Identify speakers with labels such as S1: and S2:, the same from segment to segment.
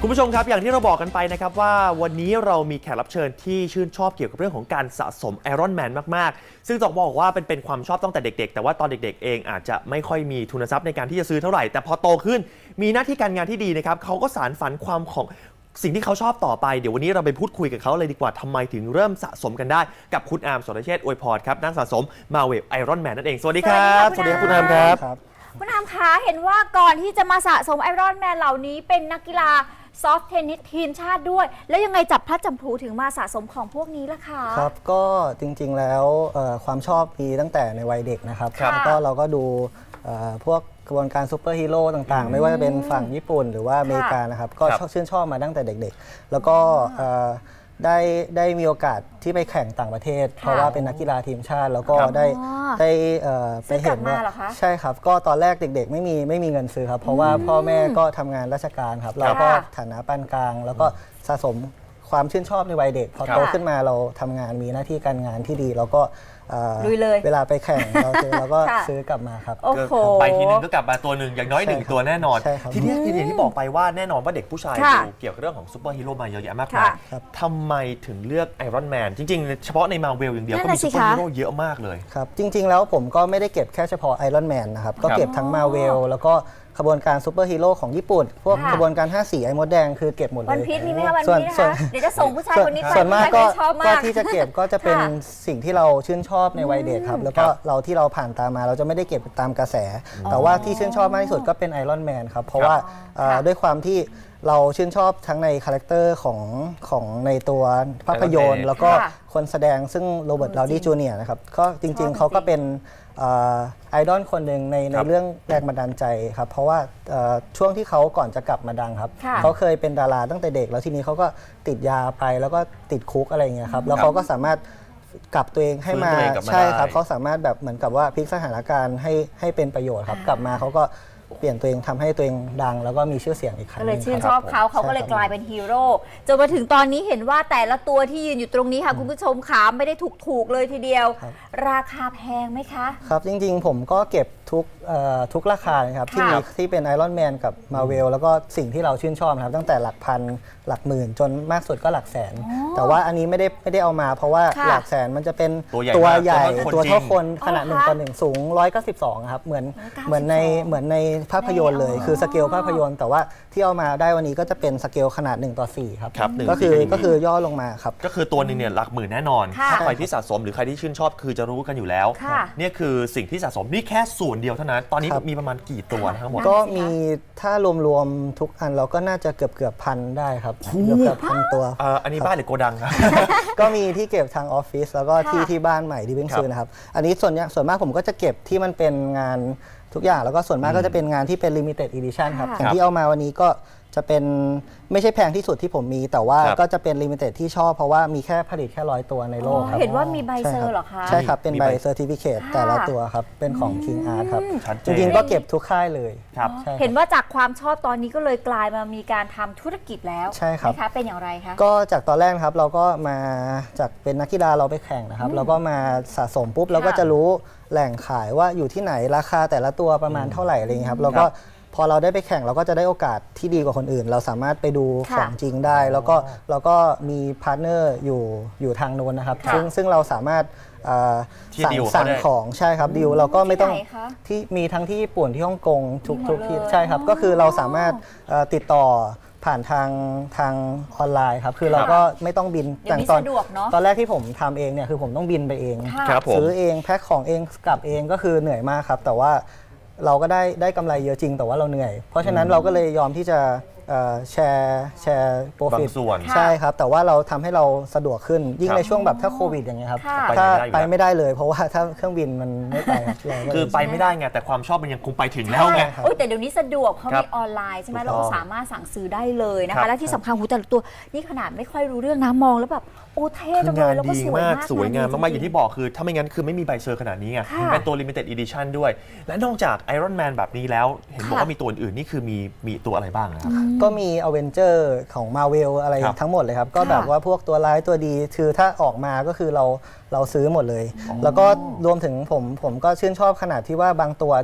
S1: คุณผู้ชมครับอย่างที่เราบอกกันไปนะครับว่าวันนี้เรามีแขกรับเชิญที่ชื่นชอบเกี่ยวกับเรื่องของการสะสมไอรอนแมนมากๆซึ่งต้องบอกว่าเป็นความชอบตั้งแต่เด็กๆแต่ว่าตอนเด็กๆเองอาจจะไม่ค่อยมีทุนทรัพย์ในการที่จะซื้อเท่าไหร่แต่พอโตขึ้นมีหน้าที่การงานที่ดีนะครับเขาก็สานฝันความของสิ่งที่เขาชอบต่อไปเดี๋ยววันนี้เราไปพูดคุยกับเขาเลยดีกว่าทำไมถึงเริ่มสะสมกันได้กับคุณอาร์ม สรเชษฐ์ อวยพรครับนักสะสมมาเวลไอรอนแมนนั่นเองสวัสดีครับสวัสดีครับคุณอาร์มครับ
S2: คุณอาร์มคะเห็นว่าก่อนที่จะมาสะสมไอรอนแมนเหล่านี้เป็นนักกีฬาซอฟต์เทนนิสทีมชาติด้วยแล้วยังไงจับพลัดจับผลูถึงมาสะสมของพวกนี้ล่ะคะ
S3: ครับก็จริงๆแล้วความชอบมีตั้งแต่ในวัยเด็กนะครับแล้วก็เราก็ดูพวกกระบวนการซูเปอร์ฮีโร่ต่างๆไม่ว่าจะเป็นฝั่งญี่ปุ่นหรือว่าอเมริกานะครับก็ชื่นชอบมาตั้งแต่เด็กๆแล้วก็ได้มีโอกาสที่ไปแข่งต่างประเทศเพราะว่าเป็นนักกีฬาทีมชาติแล้วก็ได้ไปเห็นว่าใช่ครับก็ตอนแรกเด็กๆไม่มีเงินซื้อครับเพราะว่าพ่อแม่ก็ทำงานราชการครับเราก็ฐานะปานกลางแล้วก็สะสมความชื่นชอบในวัยเด็กพอโตขึ้นมาเราทำงานมีหน้าที่การงานที่ดีแล้วก็เวลาไปแข่งเราก็ซื้อกลับมาครับ
S1: ไปทีนึงก็กลับมาตัวหนึ่งอย่างน้อย1ตัวแน่นอนทีนี้อย่างที่บอกไปว่าแน่นอนว่าเด็กผู้ชายดูเกี่ยวกับเรื่องของซูเปอร์ฮีโร่มาเยอะแยะมากมายทำไมถึงเลือกไอรอนแมนจริงๆเฉพาะในมาเวลอย่างเดียวก็มีซูเปอร์ฮีโร่เยอะมากเลย
S3: ครับจริงๆแล้วผมก็ไม่ได้เก็บแค่เฉพาะไอรอนแมนนะครับก็เก็บทั้งมาเวลแล้วก็ขบวนการซูเปอร์ฮีโร่ของญี่ปุ่นพวกขบวนการ5 สีไอ้มดแดงคือเก็บหมดเลย
S2: วันพีชมีไหมคะวันพีชนะคะเดี๋ยวจะส่งผู้ชายคนนี้ไป
S3: ส่วนมากก็ที่จะเก็บก็จะเป็นสิ่งที่เราชื่นชอบในวัยเด็กครับแล้วก็ที่เราผ่านตามมาเราจะไม่ได้เก็บตามกระแสแต่ว่าที่ชื่นชอบมากที่สุดก็เป็นไอรอนแมนครับเพราะว่าด้วยความที่เราชื่นชอบทั้งในคาแรคเตอร์ของในตัวภาพยนตร์แล้วก็คนแสดงซึ่งโรเบิร์ต ดาวนีย์ จูเนียร์นะครับก็จริงๆเขาก็เป็นไอดอลคนหนึ่งในเรื่องแรงบันดาลใจครับเพราะว่าช่วงที่เขาก่อนจะกลับมาดังครับเขาเคยเป็นดาราตั้งแต่เด็กแล้วทีนี้เขาก็ติดยาไปแล้วก็ติดคุกอะไรเงี้ยครับแล้วเขาก็สามารถกลับตัวเองให้มาใช่ครับเขาสามารถแบบเหมือนกับว่าพลิกสถานการณ์ให้เป็นประโยชน์ครับกลับมาเขาก็เปลี่ยนตัวเองทำให้ตัวเองดังแล้วก็มีชื่อเสียงอีกครั้ง
S2: ก็เลยชื่นชอบเขาก็เลยกลายเป็นฮีโร่จนมาถึงตอนนี้เห็นว่าแต่ละตัวที่ยืนอยู่ตรงนี้ค่ะคุณผู้ชมขาไม่ได้ถูกเลยทีเดียวราคาแพงไหมคะ
S3: ครับจริงๆผมก็เก็บทุกราคานะครับที่เป็นไอรอนแมนกับมาเวลแล้วก็สิ่งที่เราชื่นชอบนะครับตั้งแต่หลักพันหลักหมื่นจนมากสุดก็หลักแสนแต่ว่าอันนี้ไม่ได้เอามาเพราะว่าหลักแสนมันจะเป็นตัวใหญ่ตัวเท่าคนขนาด1:1สูง192ครับเหมือนในภาพยนตร์เลยคือสเกลภาพยนตร์แต่ว่าที่เอามาได้วันนี้ก็จะเป็นสเกลขนาด1:4ครับก็คือย่อลงมาครับ
S1: ก็คือตัวนึงเนี่ยหลักหมื่นแน่นอนถ้าใครที่สะสมหรือใครที่ชื่นชอบคือจะรู้กันอยู่แล้วนี่คือสิ่งที่สะสมนี่แค่ส่วนเดียวเท่านั้นตอนนี้มีประมาณกี่ตัวทั้งหมด
S3: ก็มีถ้ารวมๆทุกอันเราก็น่าจะเกือบพันได้ครับเกือบพันตัว
S1: อันนี้บ้านหรือโกดังครับ
S3: ก็มีที่เก็บทางออฟฟิศแล้วก็ที่บ้านใหม่ที่เพิ่งซื้อนะครับอันนี้ส่วนมากผมก็จะเก็บที่มันเป็นงานทุกอย่างแล้วก็ส่วนมากก็จะเป็นงานที่เป็น limited edition ครับอย่างที่เอามาวันนี้ก็จะเป็นไม่ใช่แพงที่สุดที่ผมมีแต่ว่าก็จะเป็น limited ที่ชอบเพราะว่ามีแค่ผลิตแค่100 ตัวในโลกครับ
S2: เห็นว่ามีใบเซอร์หรอคะ
S3: ใช่ครับเป็นใบเซอร์ติฟิเคตแต่ละตัวครับเป็นของ King Art ครับจริงๆก็เก็บทุกค่ายเลย
S2: เห็นว่าจากความชอบตอนนี้ก็เลยกลายมามีการทำธุรกิจแล้ว
S3: ใช่ครับ
S2: นะคะเป็นอย่างไรคะ
S3: ก็จากตอนแรกครับเราก็มาจากเป็นนักกีฬาเราไปแข่งนะครับเราก็มาสะสมปุ๊บเราก็จะรู้แหล่งขายว่าอยู่ที่ไหนราคาแต่ละตัวประมาณเท่าไหร่อะไรอย่างนี้ครับแล้วก็พอเราได้ไปแข่งเราก็จะได้โอกาสที่ดีกว่าคนอื่นเราสามารถไปดูของจริงได้แล้วก็เราก็มีพาร์ทเนอร์อยู่ทางโน้นนะครับซึ่งเราสามารถสั่งของใช่ครับดิวเราก็ไม่ต้องที่มีทั้งที่ญี่ปุ่นที่ฮ่องกงทุกที่ใช่ครับก็คือเราสามารถติดต่อผ่านทางออนไลน์ครับคือเราก็ไม่ต้องบิน
S2: อย่าง
S3: ตอนแรกที่ผมทำเองเนี่ยคือผมต้องบินไปเองซื้อเองแพ็คของเองกลับเองก็คือเหนื่อยมากครับแต่ว่าเราก็ได้กำไรเยอะจริงแต่ว่าเราเหนื่อยเพราะฉะนั้นเราก็เลยยอมที่จะแชร์โปรฟิตใช่ครับแต่ว่าเราทำให้เราสะดวกขึ้นยิ่งในช่วงแบบถ้าโควิดอย่างเงี้ยครับถ้าไปไม่ได้เลยเพราะว่าถ้าเครื่องบินมันไม่ไป
S1: คือไปไม่ได้ไงแต่ความชอบมันยังคงไปถึงแล้วไง
S2: แต่เดี๋ยวนี้สะดวกเพราะมีออนไลน์ใช่ไหมเราสามารถสั่งซื้อได้เลยนะคะและที่สำคัญหูแต่ละตัวนี่ขนาดไม่ค่อยรู้เรื่องนะมองแล้วแบบโอ้เท่จังเลยแล้วก็
S1: สวยงามมากๆอย่างที่บอกคือถ้าไม่งั้นคือไม่มีใบเซอร์ขนาดนี้ไงเป็นตัว limited edition ด้วยและนอกจาก Iron Man แบบนี้แล้วเห็นบอกว่ามีตัวอื่นนี่คือมีตัวอะไรบ้างนะครับ
S3: ก็มี Avenger ของ Marvel อะไรทั้งหมดเลยครับก็แบบว่าพวกตัวร้ายตัวดีคือถ้าออกมาก็คือเราซื้อหมดเลยแล้วก็รวมถึงผมก็ชื่นชอบขนาดที่ว่าบางตัวที่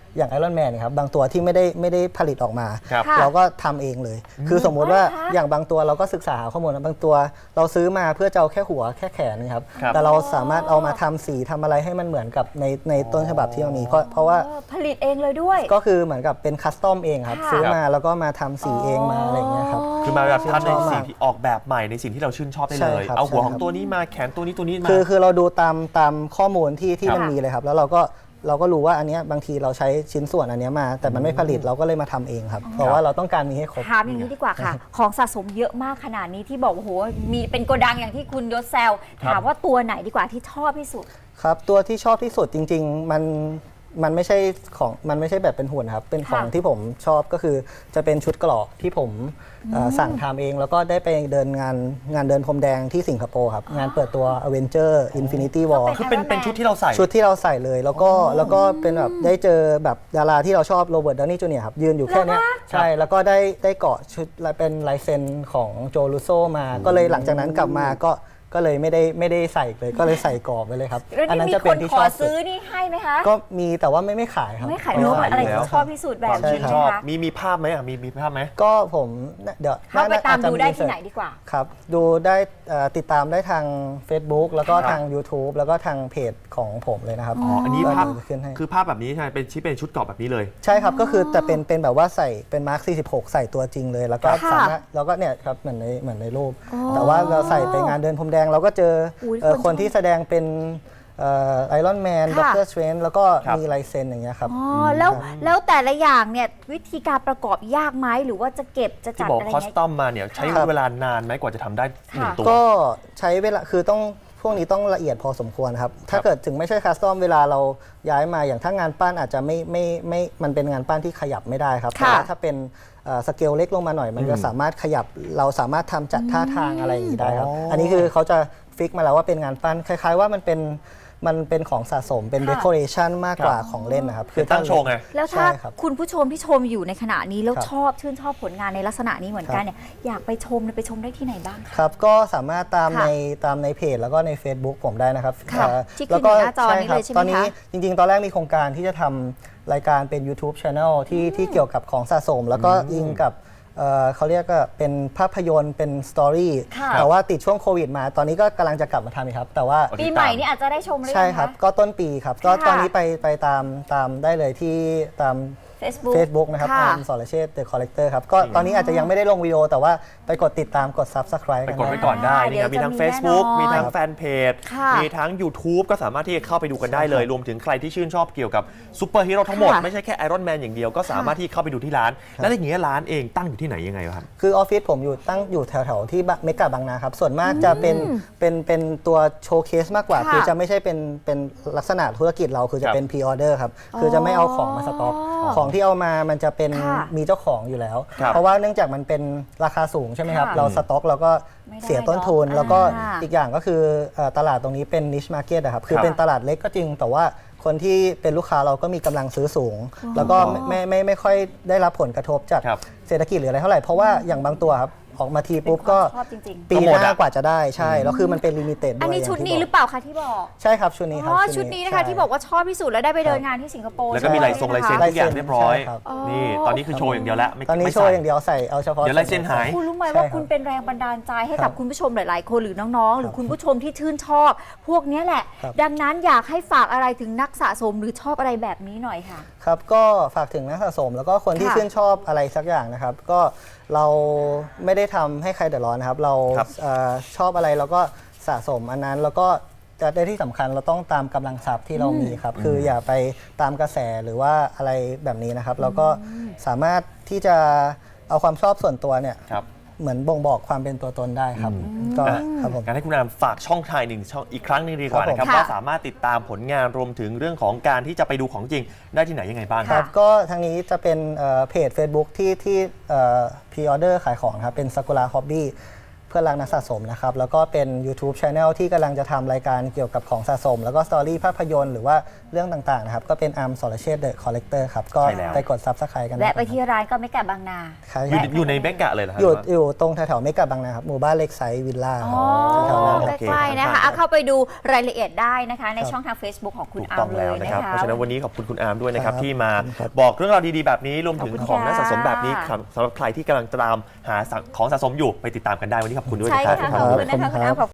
S3: อย่างไอรอนแมนครับบางตัวที่ไม่ได้ผลิตออกมา
S1: ครับ
S2: ค่ะ
S3: เราก็ทำเองเลย คือสมมุติว่า
S2: อ๋อเหรอคะ
S3: อย่างบางตัวเราก็ศึกษาหาข้อมูลนะบางตัวเราซื้อมาเพื่อจะเอาแค่หัวแค่แขนนะครับ
S1: ครับ
S3: แต่เราสามารถเอามาทำสีทำอะไรให้มันเหมือนกับในต้นฉบับที่เรามีเพราะว่า
S2: ผลิตเองเลยด้วย
S3: ก็คือเหมือนกับเป็นคัสตอมเองครับ
S2: ค่ะ
S3: ซื้อมาแล้วก็มาทำสีเองมาอะไรอย่างเงี้ยครับ
S1: คือมาแบบทำใน
S3: ชื่นชอบ
S1: สิ่ง
S3: มาก
S1: ที่ออกแบบใหม่ในสิ่งที่เราชื่นชอบได้
S3: ใช่
S1: เลย
S3: ครับ
S1: เอาหัว
S3: ใช่
S1: ของ
S3: ครับ
S1: ตัวนี้มาแขนตัวนี้มา
S3: คือเราดูตามข้อมูลที่
S1: ครับ
S3: มันมีเลยครับ แล้วเราก็รู้ว่าอันเนี้ยบางทีเราใช้ชิ้นส่วนอันเนี้ยมา แต่มันไม่ผลิตเราก็เลยมาทำเองครับ เพราะว่าเราต้องการมีให้ครบ
S2: ถามอย่างนี้ดีกว่าค่ะ ของสะสมเยอะมากขนาดนี้ที่บอกว่าโอ้โหมีเป็นโกดังอย่างที่คุณยศแซว
S1: ครับ
S2: ถามว่าตัวไหนดีกว่าที่ชอบที่สุด
S3: ครับตัวที่ชอบที่สุดจริง ๆ มันไม่ใช่ของมันไม่ใช่แบบเป็นหุ่นครับเป็นของ
S2: ค่ะ
S3: ที่ผมชอบก็คือจะเป็นชุดเกราะที่ผมสั่งทำเอง แล้วก็ได้ไปเดินงานเดินพรมแดงที่สิงคโปร์ครับงานเปิดตัว Avenger Infinity War
S2: ก็
S1: คือเป็นชุดที่เราใส่
S3: ชุดที่เราใส่เลยแล้วก็เป็นแบบได้เจอแบบดาราที่เราชอบโรเบิร์ตดาวนี่จูเนียร์ครับยืนอยู่แค่เนี้ยใช่แล้วก็ได้เกาะชุดเป็นลายเซ็นของโจลูโซมา ก็เลยหลังจากนั้นกลับมาก็เลยไม่ได้ใส่เลยก็เลยใส่กรอบไปเลยครับ
S2: แล้ว
S3: อัน
S2: นี่
S3: นั้น
S2: มี
S3: จะ
S2: ค
S3: เป็น
S2: น
S3: ที่
S2: ข
S3: ช
S2: อ
S3: อบสุด
S2: ซื้อนี่ให้ไหมคะ
S3: ก็มีแต่ว่าไม่ขายครับ
S2: ไม่ขายรู้ว่าอะไร
S1: อยู่แล้ว
S2: ที่ชอบที่สุดแบบ
S1: ความ
S2: นี้
S1: ชื่น
S2: ใช่
S1: ช
S2: ไหม
S1: อบ
S2: คะ
S1: มีภาพไหมอ่ะมีภาพไหม
S3: ก็ผมเดี๋ยว
S2: เข้าไปตาม
S3: อจจะ
S2: ดูได้ที่
S3: research
S2: ไหนดีกว่า
S3: ครับดูได้ติดตามได้ทาง Facebook แล้วก็
S1: ครับ
S3: ทาง YouTube แล้วก็ทางเพจของผมเลยนะครับ
S1: อ๋ออันนี้ภาพ
S3: ก็เดี๋ยวขึ้นให้
S1: คือภาพแบบนี้ใช่ไหมเป็นชุดเกราะแบบนี้เลย
S3: ใช่ครับ ก็คือแต่เป็นแบบว่าใส่เป็นมาร์ค 46 ใส่ตัวจริงเลย แล้วก็
S2: ค่ะ
S3: สามารถแล้วก็เนี่ยครับเหมือนในรูป
S2: อ๋อ
S3: แต่ว่าเราใส่ไปงานเดินพรมแดงเราก็เจอ
S2: อุ๊ย
S3: คนที่แสดงเป็นไอรอนแมนด็อก
S2: ค่ะ
S3: เตอร์สเตรนแล้วก็
S1: ครับ
S3: มีลายเซ็นอย่างเงี้ยครับ
S2: อ๋อแล้วแต่ละอย่างเนี่ยวิธีการประกอบยากไหมหรือว่าจะเก็บจะ
S1: ที่
S2: จัด
S1: บอก
S2: อะไร
S1: คอส
S2: เงี้ย
S1: ตอมมาเนี่ยใช้
S3: ครับ
S1: เวลานานไหมกว่าจะทำได้หนึ่ง
S2: ค่ะ
S1: ตัว
S3: ก็ใช้เวลาคือต้องพวกนี้ต้องละเอียดพอสมควรครับ ถ้าเกิดถึงไม่ใช่คัสตอมเวลาเราย้ายมาอย่างถ้างานปั้นอาจจะไม่มันเป็นงานปั้นที่ขยับไม่ได้ครับ
S2: ค่ะ
S3: แต่ว่าถ้าเป็นสเกลเล็กลงมาหน่อย มันจะสามารถขยับเราสามารถทำจัดท่าทางอะไรอย่างนี้ได้ครับ
S1: อ๋ออั
S3: อันนี้คือเขาจะฟิกมาแล้วว่าเป็นงานปั้นคล้าย ๆ ว่ามันเป็นของสะสมเป็น
S2: ค่ะ
S3: เดคอเรชันมากกว่าของเล่นนะครับ
S1: เป็นตั้งโชว์ไง
S2: แล้วถ้า
S3: ใช่ครับ
S2: คุณผู้ชมที่ชมอยู่ในขณะนี้แล้ว
S3: ครับ
S2: ชื่นชอบผลงานในลักษณะนี้เหมือนกันเนี่ยอยากไปชมไปชมได้ที่ไหนบ้างคะ
S3: ครับก็สามารถตาม
S2: ค่ะ
S3: ในเพจแล้วก็ใน Facebook ผมได้นะครับ
S2: ค่ะ
S3: เ
S2: ที่ขึ้นอยู่หน้าจอนี้เลยใช่ไหม
S3: ตอนนี้
S2: คะ
S3: จริงๆ ตอนแรกมีโครงการที่จะทำรายการเป็น YouTube Channel ที่เกี่ยวกับของสะสม แล้วก็อิงกับเขาเรียกก็เป็นภาพยนตร์เป็นสตอรี่
S2: ค่ะ
S3: แต่ว่าติดช่วงโควิดมา ตอนนี้ก็กำลังจะกลับมาทำอีกครับ แต่ว่า
S1: โอเค
S2: ปีใหม่นี่อาจจะได้ชมหรือ
S3: ใช่
S2: ยัง
S3: ครับ
S2: คะ
S3: ก็ต้นปีครับ ก็
S2: ค่ะ
S3: ตอนนี้ไปตามได้เลยที่ตาม Facebook นะครับ
S2: ค่ะ
S3: อาร์มสรเชษฐ์ The Collector ครับ ก็ตอนนี้อาจจะยังไม่ได้ลงวิดีโอ แต่ว่าไปกดติดตามกด Subscribe
S1: ไป
S3: กัน
S1: กด
S3: ได้
S1: ไว้ก่อนได้นี่ครับ
S2: เดี๋
S1: มี
S2: ยว
S1: ทั้ง
S2: จะมี
S1: Facebook
S2: แน่นอน
S1: มีทั้งแฟนเพจ
S2: ค่ะ
S1: มีทั้ง YouTube ก็สามารถที่จะเข้าไปดูกันได้เลย รวมถึงใครที่ชื่นชอบเกี่ยวกับซูเปอร์ฮีโร่ทั้งหมด
S2: ค่ะ
S1: ไม่ใช่แค่ไอรอนแมนอย่างเดียวก็สามารถที่เข้าไปดูที่ร้าน แล้วอย่างเงี้ยร้านเองตั้งอยู่ที่ไหนยังไงครับ
S3: คือออฟฟิศผมตั้งอยู่แถวๆที่เมกะบางนาครับ ส่วนมากจะเป็นตัวโชว์เคสมากกว่า
S2: ค่ะ
S3: คือจะไม่ใช่เป็นลักษณะธุรกิจเราคือจะเป็นพรีออเดอร์ครับ คือจะไม่เอาของมาสต็อก ของที่เอามามันจะเป็น
S2: ค่ะ
S3: มีเจ้าของอยู่แล้ว
S1: ครับ
S3: เพราะว่าเนื่องจากมันเป็นราคาสูงใช่ไหมครับ
S2: ค่ะ
S3: เราสต็อกเราก็
S2: ไม่ได้
S3: เสียต้นทุน
S2: เนอะ
S3: แล้วก็
S2: อ่า
S3: อีกอย่างก็คือตลาดตรงนี้เป็น niche market อะครับ คือ
S1: ครับ
S3: เป็นตลาดเล็กก็จริง แต่ว่าคนที่เป็นลูกค้าเราก็มีกำลังซื้อสูง แล้วก็ไม่ค่อยได้รับผลกระทบจาก
S1: ครับ
S3: เศรษฐกิจหรืออะไรเท่าไหร่ เพราะว่าอย่างบางตัวครับ ออกมาทีปุ๊บก็
S2: ชอบจริง
S3: ปี
S1: ก็ห
S3: ห
S1: มด
S3: น้า
S1: อะ
S3: กว่าจะได้ใช่ แล้วคือมันเป็นลิมิเต็ดด้วย
S2: อันนี้
S3: ย่าง
S2: ชุด
S3: ที่
S2: นี้
S3: บก
S2: หรือเปล่าคะที่บอก
S3: ใช่ครับชุดนี้ครับ
S2: อ๋อชุดนี้นะคะที่บอกว่าชอบที่สุดแล้วได้ไปเดินงานที่สิงคโปร์
S1: แล้วก็มีลายทรงลายเซ็น
S2: ใช่
S1: ทุกอย่างเรียบร้อย
S3: ใช่ครับ
S1: นี่ตอนนี้คือโชว์อย่างเดียวแล้วไม่
S3: ตอนนี้
S1: ไม่
S3: โช
S1: ใส่
S3: ว์อย่างเดียวใส่เอาเฉพาะ
S1: เดี๋ยวลายเซ็นหาย
S2: คุณรู้ไหม
S3: ใช่
S2: ว่า
S3: ครับ
S2: คุณเป็นแรงบันดาลใจให้
S3: ครั
S2: กับบ คุณผู้ชมหลาย ๆ คนหรือน้อง ๆ หรือคุณผู้ชมที่ชื่นชอบ พวกเนี้ยแหละ
S3: ครับ
S2: ดังนั้นอยากให้ฝากอะไรถึงนักสะสมหรือชอบอะไรแบบนี้หน่อยค่ะ
S3: ครับก็ฝากถึงนักสะสม แล้วก็คนที่
S2: ค่ะ
S3: ชื่นชอบอะไรสักอย่างนะครับ ก็เราไม่ได้ทำให้ใครเดือดร้อนนะครับ เรา
S1: ครับ
S3: ชอบอะไรเราก็สะสมอันนั้น แล้วก็จะได้ที่สำคัญเราต้องตามกำลังทรัพย์ที่เรามีครับ คืออย่าไปตามกระแสหรือว่าอะไรแบบนี้นะครับ เราก็สามารถที่จะเอาความชอบส่วนตัวเนี่ย
S1: ครับ
S3: เหมือนบ่งบอกความเป็นตัวตนได้ครับ ก็ครับผม
S1: งั้นให้คุณอามฝากช่องทางหนึ่งช่องอีกครั้งหนึงดีกว่า
S3: ครับผม
S1: นะครับ
S2: ค่ะ
S1: ว่าสามารถติดตามผลงานรวมถึงเรื่องของการที่จะไปดูของจริงได้ที่ไหนยังไงบ้างค
S3: ค
S1: รั
S3: รับ บก็ทางนี้จะเป็นเพจ Facebook ที่พรีออเดอร์ขายของครับ เป็น Sakura Hobby เพื่อนรักนักสะสมนะครับแล้วก็เป็น YouTube Channel ที่กำลังจะทำรายการเกี่ยวกับของสะสม แล้วก็สตอรี่ภาพยนตร์หรือว่าเรื่องต่างๆนะครับก็เป็นอาร์มสรเชษฐ์เดอะคอลเลกเตอร์ครับก็
S1: ใช่แล้ว
S3: ไปกด Subscribe กัน
S2: แวะไปที่ร้านก็ไม่กะบางนา
S3: ครับ
S1: อยู่ในเมกะเลยเหรอครับ
S3: อยู่ตรงแถวๆเมกะบางนาครับหมู่บ้านเล็กไซส์วิลล่า
S2: อ๋อ
S3: แถวๆนั้น
S1: โอเค
S2: ใกล้ๆนะคะเอาเข้าไปดูรายละเอียดได้นะคะ ในช่องทาง Facebook ของคุณ
S1: ถูก
S2: อา
S1: ต้
S2: ร์
S1: อง
S2: มเล
S1: แล้ว
S2: ย
S1: นะ
S2: นะครับ คะ
S1: เพราะฉะนั้นวันนี้ขอบคุณคุณอาร์มด้วยนะครับ
S3: ครับ
S1: ที่มา
S3: ขอบคุณครับ
S1: บอกเรื่องราวดีๆแบบนี้รวมถึง
S2: ขอบคุณ
S1: ของนักสะสม
S2: ค่ะ
S1: แบบนี้ครับสำหรับใครที่กำลังตามหาของสะสมอยู่ไปติดตามกันได้วันนี้ขอบคุณด้วย
S2: ใช่
S1: นะครับ
S2: ค่ะขอบคุณนะคะคุณอาร์ม